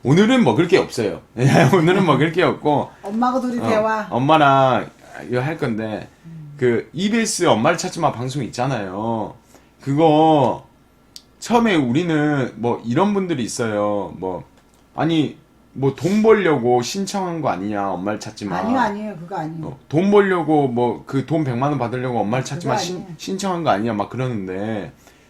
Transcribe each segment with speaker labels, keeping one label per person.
Speaker 1: 오늘은 먹을 게 없어요. 오늘은 먹을 게 없고
Speaker 2: 엄마가 둘이 대화.
Speaker 1: 엄마랑 이거 할 건데 그 EBS 엄마를 찾지 마 방송 있잖아요. 그거 처음에 우리는 뭐 이런 분들이 있어요. 뭐 아니 뭐 돈 벌려고 신청한 거 아니냐 엄마를 찾지 마.
Speaker 2: 아니에요 그거 아니에요.
Speaker 1: 돈 벌려고 뭐 그 돈 100만 원 받으려고 엄마를 찾지 마
Speaker 2: 그거 아니에요.
Speaker 1: 신청한 거 아니냐 막 그러는데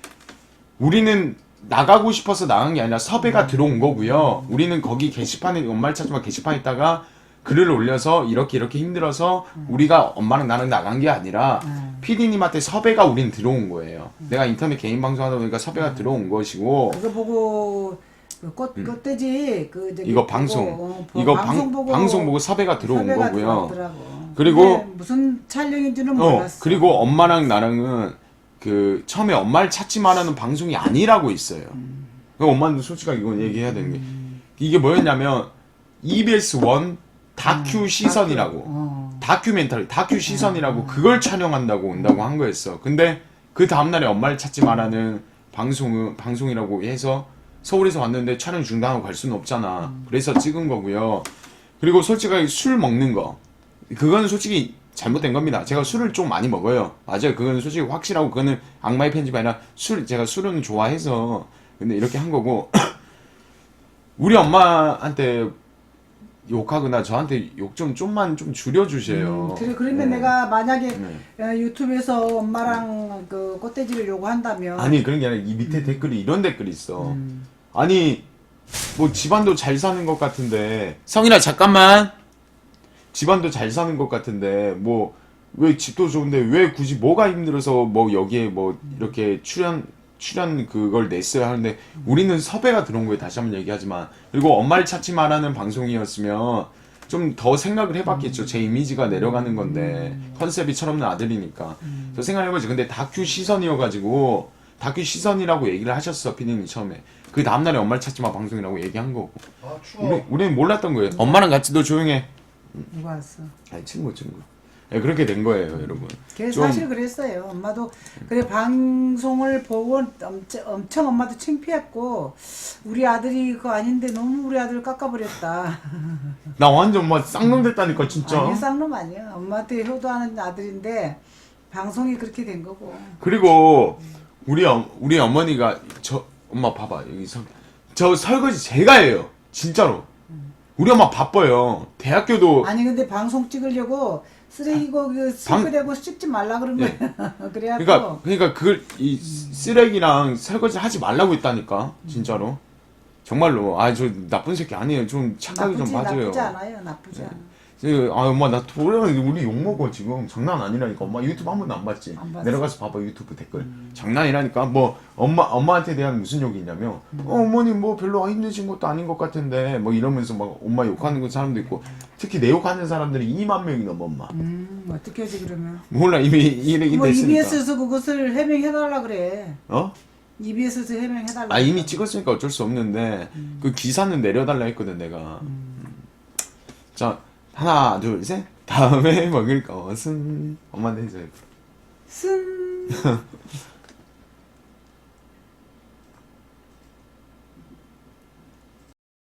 Speaker 1: 우리는 나가고 싶어서 나간 게 아니라 섭외가 들어온 거고요. 우리는 거기 게시판에 엄마를 찾지 마 게시판에 있다가 글을 올려서 이렇게 힘들어서 우리가 엄마랑 나랑 나간 게 아니라 PD님한테 섭외가 우린 들어온 거예요. 내가 인터넷 개인 방송하다 보니까 섭외가 들어온 것이고
Speaker 2: 그거 보고 꽃돼지 그 저기
Speaker 1: 이거
Speaker 2: 보고,
Speaker 1: 방송 이거 방송 보고 섭외가 들어온
Speaker 2: 섭외가
Speaker 1: 거고요.
Speaker 2: 들어왔더라고.
Speaker 1: 그리고
Speaker 2: 근데 무슨 촬영인지는 몰랐어.
Speaker 1: 그리고 엄마랑 나랑은 그 처음에 엄마를 찾지 말라는 방송이 아니라고 있어요. 그 엄마는 솔직하게 이건 얘기해야 되는 게 이게 뭐였냐면 EBS 1 다큐 시선이라고 다큐멘터리 다큐 시선이라고 그걸 촬영한다고 온다고 한 거였어. 근데 그 다음날에 엄마를 찾지 말라는 방송이라고 해서 서울에서 왔는데 촬영 중단하고 갈 수는 없잖아. 그래서 찍은 거고요. 그리고 솔직하게 술 먹는 거 그건 솔직히 잘못된 겁니다. 제가 술을 좀 많이 먹어요. 맞아요. 그건 솔직히 확실하고 그거는 악마의 편집이 아니라 제가 술은 좋아해서 근데 이렇게 한 거고 우리 엄마한테 욕하거나 저한테 욕 좀만 줄여주세요.
Speaker 2: 그래 그러면
Speaker 1: 네.
Speaker 2: 내가 만약에 유튜브에서 엄마랑 그 꽃돼지를 요구한다면
Speaker 1: 아니 그런 게 아니라 이 밑에 댓글이 이런 댓글이 있어. 아니 뭐 집안도 잘 사는 것 같은데 성인아 잠깐만 집안도 잘 사는 것 같은데 뭐 왜 집도 좋은데 왜 굳이 뭐가 힘들어서 뭐 여기에 뭐 이렇게 출연 그걸 냈어야 하는데 우리는 섭외가 들어온 거예요. 다시 한번 얘기하지만 그리고 엄마를 찾지 마라는 방송이었으면 좀 더 생각을 해봤겠죠. 제 이미지가 내려가는 건데 컨셉이 철없는 아들이니까 저 생각해보지. 근데 다큐 시선이어가지고 다큐 시선이라고 얘기를 하셨어 피디님 처음에. 그 다음날에 엄마를 찾지 마 방송이라고 얘기한 거고.
Speaker 3: 아 추워.
Speaker 1: 우리는 몰랐던 거예요. 엄마랑 같이 너 조용해.
Speaker 2: 누가 왔어?
Speaker 1: 아니 친구. 네, 그렇게 된 거예요, 여러분.
Speaker 2: 걔
Speaker 1: 좀-
Speaker 2: 사실 그랬어요. 엄마도 그래 방송을 보고 엄청 엄마도 창피했고 우리 아들이 그거 아닌데 너무 우리 아들을 깎아버렸다.
Speaker 1: 나 완전 막 쌍놈 됐다니까 진짜.
Speaker 2: 아니 쌍놈 아니야. 엄마한테 효도하는 아들인데 방송이 그렇게 된 거고.
Speaker 1: 그리고 우리 어머니가 엄마 봐봐 여기서 저 설거지 제가 해요, 진짜로. 우리 엄마 바빠요. 대학교도
Speaker 2: 아니 근데 방송 찍으려고 쓰레기고 그 싱크대고 씻지 말라 그런 거야. 그래갖고
Speaker 1: 그러니까 그걸 이 쓰레기랑 설거지 하지 말라고 했다니까 진짜로. 정말로 저 나쁜 새끼 아니에요. 좀 착하게 좀 봐줘요.
Speaker 2: 나쁘지 않아요. 나쁘지 않아.
Speaker 1: 엄마 나 우리 욕 먹어 지금. 장난 아니라니까. 엄마 유튜브 한 번도 안 봤지.
Speaker 2: 안 봤어.
Speaker 1: 내려가서 봐봐 유튜브 댓글. 장난이라니까. 뭐 엄마한테 대한 무슨 욕이 있냐면 어머니 뭐 별로 힘드신 것도 아닌 것 같은데 뭐 이러면서 막 엄마 욕하는 그 사람도 있고 특히 내 욕하는 사람들이 2만 명이 넘어 엄마.
Speaker 2: 어떻게 하지 그러면?
Speaker 1: 몰라 이미 이렇게
Speaker 2: 뭐
Speaker 1: 됐으니까.
Speaker 2: EBS에서 그것을 해명해달라 그래.
Speaker 1: 어?
Speaker 2: EBS에서 해명해달라.
Speaker 1: 이미 찍었으니까 어쩔 수 없는데 그 기사는 내려달라 했거든 내가. 자 하나 둘 셋 다음에 먹을 것은 엄마한테 해줘요.
Speaker 2: 쓴